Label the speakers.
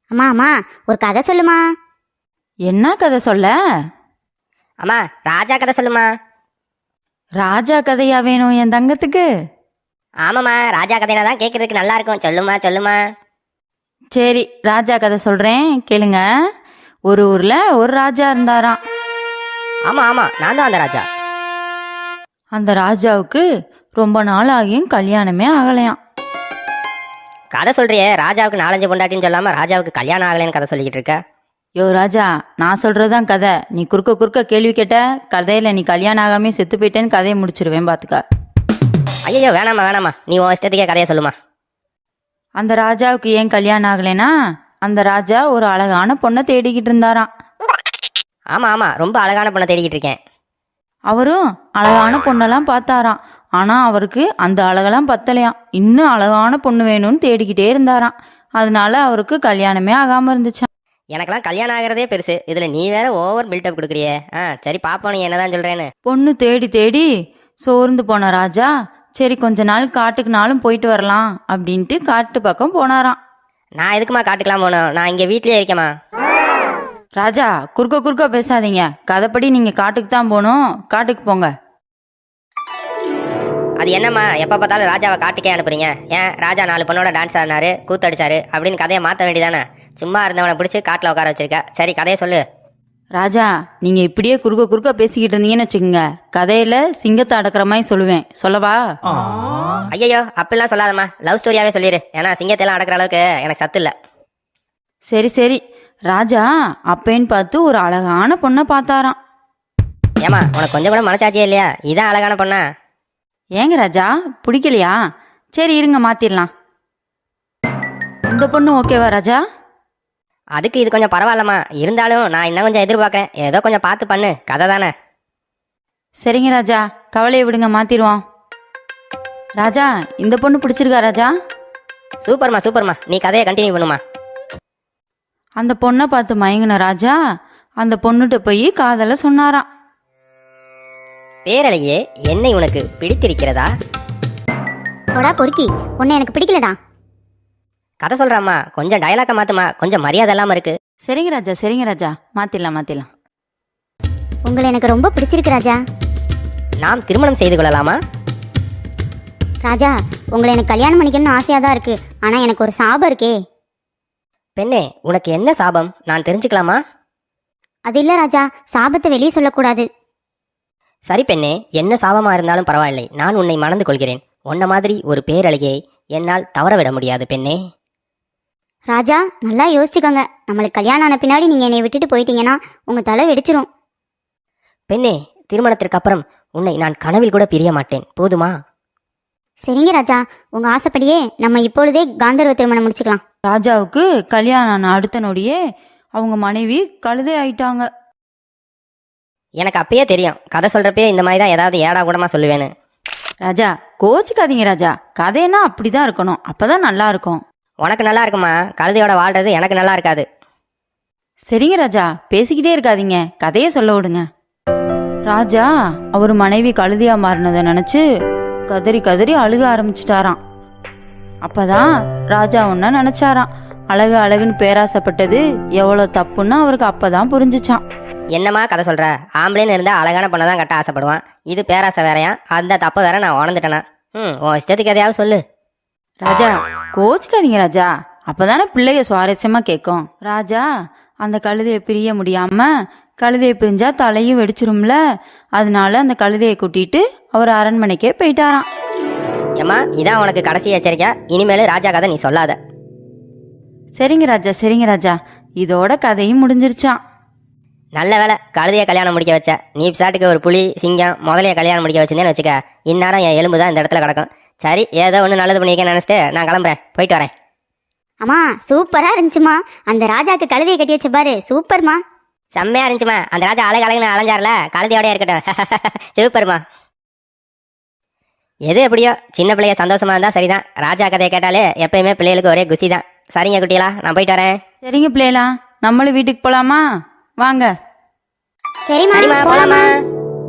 Speaker 1: அம்மா அம்மா ஒரு கதை சொல்லுமா.
Speaker 2: என்ன கதை சொல்ல?
Speaker 3: அம்மா ராஜா கதை சொல்லுமா.
Speaker 2: ராஜா கதையா வேணும் என் தங்கத்துக்கு?
Speaker 3: ஆமாம்மா, ராஜா கதையில தான் கேட்கறதுக்கு நல்லா இருக்கும். சொல்லுமா சொல்லுமா.
Speaker 2: சரி, ராஜா கதை சொல்றேன் கேளுங்க. ஒரு ஊர்ல ஒரு ராஜா இருந்தாராம்.
Speaker 3: ஆமா ஆமா, நான் தான் அந்த ராஜா.
Speaker 2: அந்த ராஜாவுக்கு ரொம்ப நாள் ஆகியும் கல்யாணமே ஆகலையாம்.
Speaker 3: கதை சொல்றியே, ராஜாவுக்கு 4-5 பொண்டாட்டின்னு சொல்லாம ராஜாவுக்கு கல்யாணம் ஆகலைன்னு கதை சொல்லிக்கிட்டு இருக்க.
Speaker 2: யோ ராஜா, நான் சொல்றதுதான் கதை. நீ குறுக்க குறுக்க கேள்வி கேட்ட கதையில நீ கல்யாணம் ஆகாமே செத்து போயிட்டேன்னு கதையை முடிச்சிருவேன் பாத்துக்க.
Speaker 3: ஐயோ வேணாமா வேணாமா, நீ உன் இஷ்டத்துக்கே கதையை சொல்லுமா.
Speaker 2: அந்த ராஜாவுக்கு ஏன் கல்யாணம் ஆகலைன்னா, அந்த ராஜா ஒரு அழகான பொண்ணை தேடிக்கிட்டு இருந்தாராம்.
Speaker 3: ஆமா ஆமா, ரொம்ப அழகான பொண்ணை தேடிக்கிட்டு இருக்கேன்.
Speaker 2: அவரும் அழகான பொண்ணெல்லாம் பார்த்தாராம். ஆனா அவருக்கு அந்த அழகெல்லாம் பத்தலையாம். இன்னும் அழகான பொண்ணு வேணும்னு தேடிக்கிட்டே இருந்தாராம். அதனால அவருக்கு கல்யாணமே ஆகாம இருந்துச்சாம்.
Speaker 3: எனக்கெல்லாம் கல்யாணம் ஆகிறதே பெருசு, இதுல நீ வேற ஓவர் பில்டப் கொடுக்குறியே. சரி பாப்போம் நீ என்னதான் சொல்றேன்னு.
Speaker 2: பொண்ணு தேடி தேடி சோர்ந்து போன ராஜா, சரி கொஞ்ச நாள் காட்டுக்குனாலும் போயிட்டு வரலாம் அப்படின்ட்டு காட்டு பக்கம் போனாராம்.
Speaker 3: நான் எதுக்குமா காட்டுக்கலாம் போனோம், நான் இங்க வீட்லயே இருக்கேம்மா.
Speaker 2: ராஜா, குறுக்க குறுக்க பேசாதீங்க. கதைப்படி நீங்க காட்டுக்கு தான் போகணும். காட்டுக்கு போங்க.
Speaker 3: அது என்னம்மா எப்ப பார்த்தாலும் ராஜாவை காட்டுக்கே அனுப்புறீங்க? ஏன் ராஜா 4 பொண்ணோட டான்ஸ் ஆடினாரு, கூத்தடிச்சாரு அப்படின்னு கதையை மாற்ற வேண்டியதானே? சும்மா இருந்தவனை பிடிச்சி காட்டில் உட்கார வச்சிருக்க. சரி கதையை சொல்லு.
Speaker 2: ராஜா, நீங்க இப்படியே குறுக்க குறுக்க பேசிக்கிட்டு இருந்தீங்கன்னு வச்சுக்கோங்க, கதையில சிங்கத்தை அடக்கிற மாதிரி சொல்லுவேன். சொல்லவா?
Speaker 3: ஐயோ அப்படிலாம் சொல்லாதம்மா, லவ் ஸ்டோரியாவே சொல்லிடு. ஏன்னா சிங்கத்தையெல்லாம் அடக்கிற அளவுக்கு எனக்கு சத்து இல்லை.
Speaker 2: சரி சரி. ராஜா அப்பேன்னு பார்த்து ஒரு அழகான பொண்ணை பார்த்தாராம்.
Speaker 3: ஏமா உனக்கு கொஞ்சம் கூட மனசாட்சியே இல்லையா? இதான் அழகான பொண்ணா?
Speaker 2: ஏங்க ராஜா, பிடிக்கலையா? சரி இருங்க, மாத்திரலாம். இந்த பொண்ணு ஓகேவா ராஜா?
Speaker 3: அதுக்கு இது கொஞ்சம் பரவாயில்லம்மா, இருந்தாலும் நான் இன்னும் கொஞ்சம் எதிர்பார்க்கறேன். ஏதோ கொஞ்சம் பார்த்து பண்ணு, கதை தானே.
Speaker 2: சரிங்க ராஜா, கவலையை விடுங்க, மாத்திருவோம். ராஜா, இந்த பொண்ணு பிடிச்சிருக்கா ராஜா?
Speaker 3: சூப்பர்மா சூப்பர்மா, நீ கதையை கண்டினியூ பண்ணுமா.
Speaker 2: அந்த பொண்ணை பார்த்து மயங்கின ராஜா அந்த பொண்ணுகிட்ட போய் காதல சொன்னாராம்.
Speaker 3: பேரலையே, என்னை உனக்கு பிடித்திருக்கிறதா?
Speaker 1: போடா பொறுக்கி, உன்னை எனக்கு பிடிக்கலடா.
Speaker 3: கதை சொல்றாம்மா, கொஞ்சம் டயலாக்க மாத்துமா, கொஞ்சம் மரியாதை இல்லாம இருக்கு.
Speaker 2: சரிங்க ராஜா, சரிங்க ராஜா, மாத்திரலாம் மாத்திரலாம்.
Speaker 1: உங்களை எனக்கு ரொம்ப பிடிச்சிருக்கு ராஜா.
Speaker 3: நாம் திருமணம் செய்து கொள்ளலாமா?
Speaker 1: ராஜா, உங்களை எனக்கு கல்யாணம் பண்ணிக்கணும்னு ஆசையாக தான் இருக்கு. ஆனால் எனக்கு ஒரு சாபம் இருக்கே.
Speaker 3: பெண்ணே, உனக்கு என்ன சாபம், நான் தெரிஞ்சுக்கலாமா?
Speaker 1: அது இல்லை ராஜா, சாபத்தை வெளியே சொல்லக்கூடாது.
Speaker 3: சரி பெண்ணே, என்ன சாபமா இருந்தாலும் பரவாயில்லை, நான் உன்னை மணந்து கொள்கிறேன். உன்ன மாதிரி ஒரு பேரழகியை என்னால் தவற விட முடியாது பெண்ணே.
Speaker 1: ராஜா, நல்லா யோசிச்சுக்கோங்க. நம்மளுக்கு கல்யாணம் ஆன பின்னாடி நீங்கள் என்னை விட்டுட்டு போயிட்டீங்கன்னா உங்கள் தலை வெடிச்சிரும்.
Speaker 3: பெண்ணே, திருமணத்திற்கு அப்புறம் உன்னை நான் கனவில் கூட பிரிய மாட்டேன், போதுமா?
Speaker 1: சரிங்க ராஜா, உங்கள் ஆசைப்படியே நம்ம இப்பொழுதே காந்தர்வ திருமணம் முடிச்சுக்கலாம்.
Speaker 2: ராஜாவுக்கு கல்யாணம் ஆன அடுத்த நொடியே அவங்க மனைவி கழுதை ஆயிட்டாங்க.
Speaker 3: எனக்கு அப்பயே தெரியும், கதை சொல்றப்பே இந்த மாதிரி தான் ஏதாவது ஏடா கூடமா சொல்லுவேன்னு.
Speaker 2: ராஜா, கோச்சிக்காதீங்க ராஜா, கதைன்னா அப்படிதான் இருக்கணும், அப்பதான் நல்லா இருக்கும்.
Speaker 3: உனக்கு நல்லா இருக்குமா, கழுதையோட வாழ்றது எனக்கு நல்லா இருக்காது.
Speaker 2: சரிங்க ராஜா, பேசிக்கிட்டே இருக்காதீங்க, கதையை சொல்ல விடுங்க. ராஜா அவர் மனைவி கழுதையா மாறினதை நினைச்சு கதறி கதறி அழுக ஆரம்பிச்சிட்டாராம். அப்பதான் ராஜா ஒன்ன நினைச்சாராம், அழகு அழகுன்னு பேராசைப்பட்டது எவ்வளவு தப்புன்னு அவருக்கு அப்பதான் புரிஞ்சுச்சான்.
Speaker 3: என்னம்மா கதை சொல்ற? ஆம்பளைன்னு இருந்தா அழகான பொண்ணை தான் கட்ட ஆசைப்படுவான், இது பேராசை வேறையா? அந்த தப்ப வேற நான் உணர்ந்துட்டேனா? உன் இஷ்டத்துக்கு எதையாவது சொல்லு.
Speaker 2: ராஜா, கோச்சிக்காதீங்க ராஜா, அப்பதானே பிள்ளைய சுவாரஸ்யமா கேட்கும். ராஜா அந்த கழுதையை பிரிய முடியாம, கழுதையை பிரிஞ்சா தலையும் வெடிச்சிரும்ல, அதனால அந்த கழுதையை கூட்டிட்டு அவர் அரண்மனைக்கே போயிட்டாராம்.
Speaker 3: ஏம்மா, இதான் உனக்கு கடைசி எச்சரிக்கை, இனிமேல் ராஜா கதை நீ சொல்லாத.
Speaker 2: சரிங்க ராஜா, சரிங்க ராஜா, இதோட கதையும் முடிஞ்சிருச்சான்.
Speaker 3: நல்ல வேலை, கழுதையை கல்யாணம் முடிக்க வச்ச. நீ சாட்டுக்கு ஒரு புலி சிங்கம் முதலைய கல்யாணம் முடிக்க வச்சிருந்தேன்னு வச்சுக்க, இந்நேரம் என் எலும்பு தான் இந்த இடத்துல கிடக்கும். சரி, ஏதோ ஒன்று நல்லது பண்ணியிருக்கேன்னு நினச்சிட்டு நான் கிளம்புறேன், போயிட்டு வரேன்.
Speaker 1: அம்மா சூப்பராக இருந்துச்சுமா, அந்த ராஜாக்கு கழுதையை கட்டி வச்ச பாரு, சூப்பர்மா.
Speaker 3: செம்மையா இருந்துச்சுமா, அந்த ராஜா அழகு அழகுன்னு அலைஞ்சார்ல, கழுதையோடய இருக்கட்டும். சூப்பர்மா. எது எப்படியோ சின்ன பிள்ளைய சந்தோஷமா இருந்தா சரிதான். ராஜா கதையை கேட்டாலே எப்பயுமே பிள்ளைகளுக்கு ஒரே குசி தான். சரிங்க குட்டிகளா, நான் போயிட்டு வரேன்.
Speaker 2: சரிங்க பிள்ளைகளா, நம்மளும் வீட்டுக்கு போலாமா? வாங்க.
Speaker 1: சரிம்மா,
Speaker 3: போலாமா?